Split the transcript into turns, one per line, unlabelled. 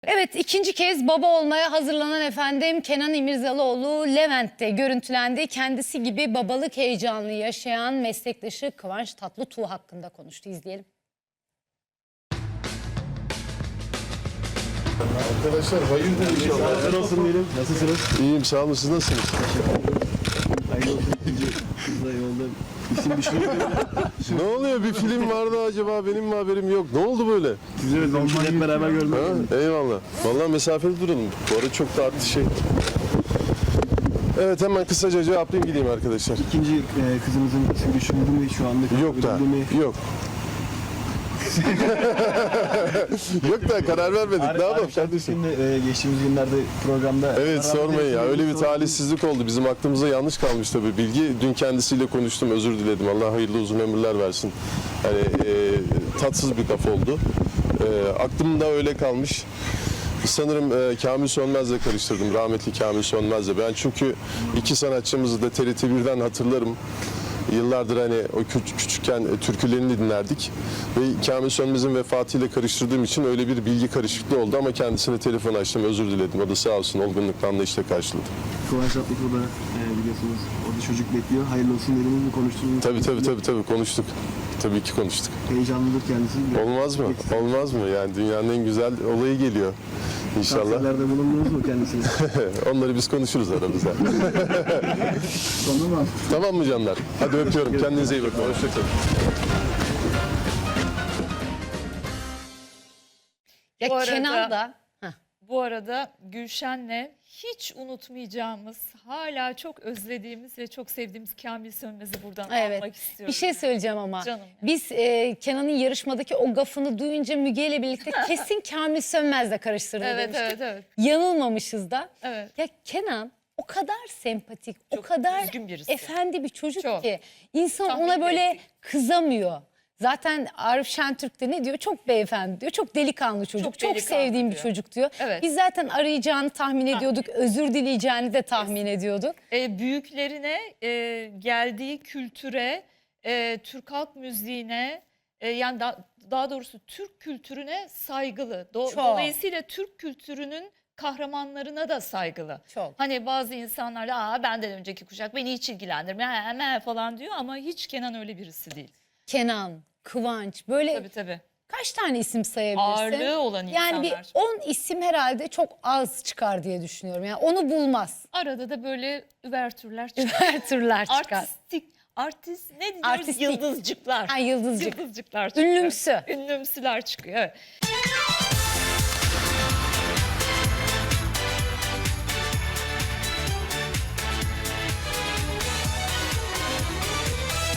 Evet, ikinci kez baba olmaya hazırlanan efendim Kenan İmirzalıoğlu Levent'te görüntülendi. Kendisi gibi babalık heyecanını yaşayan meslektaşı Kıvanç Tatlıtuğ hakkında konuştu. İzleyelim.
Arkadaşlar hayırdır inşallah.
Hazır olsun diyelim. Nasılsınız?
İyiyim, sağ olun, siz nasılsınız?
Hayırlı olsun. Kızla yolda isim düşünüyorum.
Ne oluyor, bir film vardı acaba, benim mi haberim yok? Ne oldu böyle?
Sizi özlemişiz, hep beraber görmek.
Ha, eyvallah. Vallahi mesafeli duralım. Bu arada çok da arttı şey. Evet, hemen kısaca cevaplayayım gideyim arkadaşlar.
İkinci kızımızın ismi düşünüldü mü şu anda?
Yok da, yok. Yok da karar vermedik. Ne yapalım kardeşim?
Şimdi geçtiğimiz günlerde programda...
Evet, sormayın ya. Öyle bir talihsizlik oldu. Bizim aklımıza yanlış kalmış tabii bilgi. Dün kendisiyle konuştum, özür diledim. Allah hayırlı uzun ömürler versin. Hani tatsız bir laf oldu. Aklımda öyle kalmış. Sanırım Kamil Sönmez'le karıştırdım. Rahmetli Kamil Sönmez'le. Ben çünkü iki sanatçımızı da TRT 1'den hatırlarım. Yıllardır hani o küçükken türkülerini dinlerdik ve Kamil Sönmez'in vefatıyla karıştırdığım için öyle bir bilgi karışıklığı oldu ama kendisine telefon açtım, özür diledim. O da sağ olsun olgunlukla anlayışla karşıladı.
Kıvanç Tatlıtuğ da biliyorsunuz orada çocuk bekliyor. Hayırlı olsun dediniz mi, konuştunuz mu?
Tabii konuştuk. Tabii ki konuştuk.
Heyecanlıdır kendisi.
Olmaz mı? Olmaz mı? Yani dünyanın en güzel olayı geliyor. İnşallah.
Tavsiyelerde bulundunuz mu kendisine?
Onları biz konuşuruz aramızda.
Tamam.
Tamam mı canlar? Hadi öpüyorum. Kendinize iyi bakın. Hoşçakalın.
Ya
Bu arada-
Kenan da...
Bu arada Gülşen'le hiç unutmayacağımız, hala çok özlediğimiz ve çok sevdiğimiz Kamil Sönmez'i buradan
Evet.
almak istiyorum.
Bir şey söyleyeceğim ama.
Canım ya.
Biz Kenan'ın yarışmadaki o gafını duyunca Müge ile birlikte kesin Kamil Sönmez'le karıştırdı
Evet,
demiştik.
evet.
Yanılmamışız da.
Evet.
Ya Kenan o kadar sempatik, o
Çok
kadar
düzgün birisi.
efendi bir çocuk
Çok.
ki insan
Tahmin
ona böyle
ettik.
kızamıyor. Zaten Arif Şentürk de ne diyor? Çok beyefendi diyor. Çok delikanlı çocuk. Çok
delikanlı
sevdiğim bir
diyor.
çocuk diyor.
Evet.
Biz zaten arayacağını tahmin ediyorduk. Özür dileyeceğini de tahmin ediyorduk.
Büyüklerine, geldiği kültüre, Türk halk müziğine, yani daha doğrusu Türk kültürüne saygılı.
Çok.
Dolayısıyla Türk kültürünün kahramanlarına da saygılı.
Çok.
Hani bazı insanlar da benden önceki kuşak beni hiç ilgilendirmiyor falan diyor ama hiç Kenan öyle birisi değil.
Kenan, Kıvanç böyle
Tabii.
kaç tane isim sayabilirsin?
Ağırlığı olan insanlar.
Yani bir 10 isim herhalde çok az çıkar diye düşünüyorum. Yani onu bulmaz.
Arada da böyle üvertürler çıkıyor.
Her türler çıkar.
Artist ne diyoruz?
Artistik.
Yıldızcıklar.
Ha, yıldızcık.
Yıldızcıklar çıkıyor.
Ünlümsü.
Ünlümsüler çıkıyor. Evet.